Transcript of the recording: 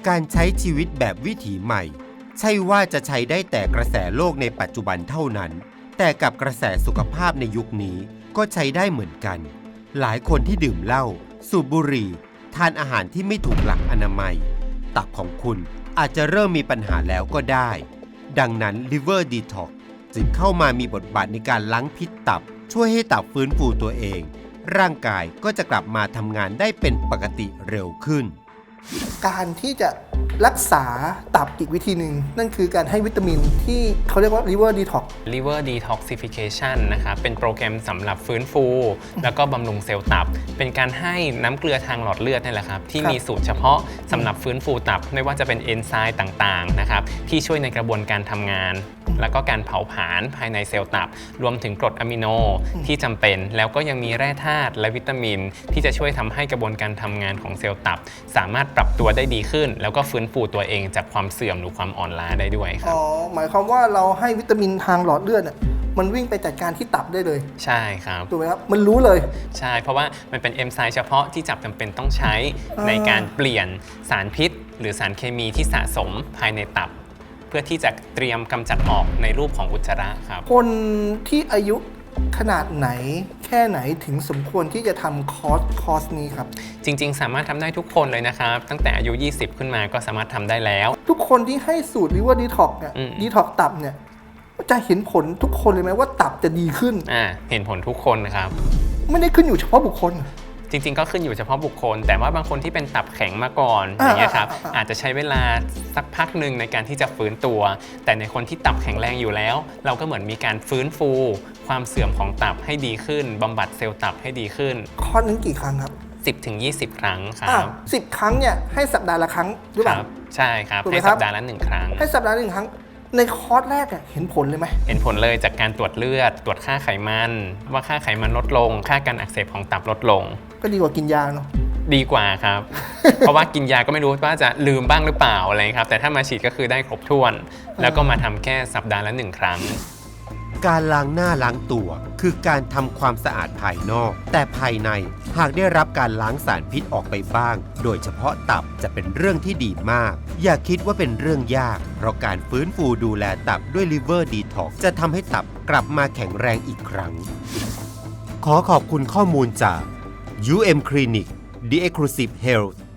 การใช้ชีวิตแบบวิถีใหม่ใช่ว่าจะใช้ได้แต่กระแสโลกในปัจจุบันเท่านั้นแต่กับกระแสสุขภาพในยุคนี้ก็ใช้ได้เหมือนกันหลายคนที่ดื่มเหล้าสูบบุหรี่ทานอาหารที่ไม่ถูกหลักอนามัยตับของคุณอาจจะเริ่มมีปัญหาแล้วก็ได้ดังนั้น Liver Detox จึงเข้ามามีบทบาทในการล้างพิษตับช่วยให้ตับฟื้นฟูตัวเองร่างกายก็จะกลับมาทำงานได้เป็นปกติเร็วขึ้นการที่จะรักษาตับอีกวิธีหนึ่งนั่นคือการให้วิตามินที่เขาเรียกว่า liver detox liver detoxification นะครับเป็นโปรแกรมสำหรับฟื้นฟูแล้วก็บำรุงเซลล์ตับเป็นการให้น้ำเกลือทางหลอดเลือดนี่แหละครับที่มีสูตรเฉพาะสำหรับฟื้นฟูตับไม่ว่าจะเป็นเอนไซม์ต่างๆนะครับที่ช่วยในกระบวนการทำงานแล้วก็การเผาผลาญภายในเซลล์ตับรวมถึงกรดอะมิโนที่จำเป็นแล้วก็ยังมีแร่ธาตุและวิตามินที่จะช่วยทำให้กระบวนการทำงานของเซลล์ตับสามารถปรับตัวได้ดีขึ้นแล้วก็ฟื้นฟูตัวเองจากความเสื่อมหรือความอ่อนล้าได้ด้วยครับหมายความว่าเราให้วิตามินทางหลอดเลือดมันวิ่งไปจัดการที่ตับได้เลยใช่ครับถูกไหมครับมันรู้เลยใช่เพราะว่ามันเป็นเอนไซม์เฉพาะที่จับจำเป็นต้องใช้ในการเปลี่ยนสารพิษหรือสารเคมีที่สะสมภายในตับเพื่อที่จะเตรียมกำจัดออกในรูปของอุจจาระครับคนที่อายุขนาดไหนแค่ไหนถึงสมควรที่จะทำคอร์สนี้ครับจริงๆสามารถทำได้ทุกคนเลยนะครับตั้งแต่อายุ20ขึ้นมาก็สามารถทำได้แล้วทุกคนที่ให้สูตร liver detox เนี่ย detox ตับเนี่ยจะเห็นผลทุกคนเลยไหมว่าตับจะดีขึ้นเห็นผลทุกคนนะครับไม่ได้ขึ้นอยู่เฉพาะบุคคลจริงๆก็ขึ้นอยู่เฉพาะบุคคลแต่ว่าบางคนที่เป็นตับแข็งมาก่อนอย่างเงี้ยครับอาจจะใช้เวลาสักพักหนึ่งในการที่จะฟื้นตัวแต่ในคนที่ตับแข็งแรงอยู่แล้วเราก็เหมือนมีการฟื้นฟูความเสื่อมของตับให้ดีขึ้นบำบัดเซลล์ตับให้ดีขึ้นคอร์สนึงกี่ครั้งครับ 10-20 ครั้งครับ 10 ครั้งเนี่ยให้สัปดาห์ละครั้งหรือเปล่าใช่ครับให้สัปดาห์ละ1ครั้งให้สัปดาห์ละ1ครั้งในคอร์สแรกเห็นผลเลยไหมเห็นผลเลยจากการตรวจเลือดตรวจค่าไขมันว่าค่าไขมันลดลงค่าการอักเสบของตับลดลงก็ดีกว่ากินยาเนาะดีกว่าครับ เพราะว่ากินยาก็ไม่รู้ว่าจะลืมบ้างหรือเปล่าอะไรครับแต่ถ้ามาฉีดก็คือได้ครบถ้วนแล้วก็มาทำแค่สัปดาห์ละ1ครั้งการล้างหน้าล้างตัวคือการทำความสะอาดภายนอกแต่ภายในหากได้รับการล้างสารพิษออกไปบ้างโดยเฉพาะตับจะเป็นเรื่องที่ดีมากอย่าคิดว่าเป็นเรื่องยากเพราะการฟื้นฟูดูแลตับด้วย Liver Detox จะทำให้ตับกลับมาแข็งแรงอีกครั้งขอขอบคุณข้อมูลจาก UM Clinic The Exclusive Health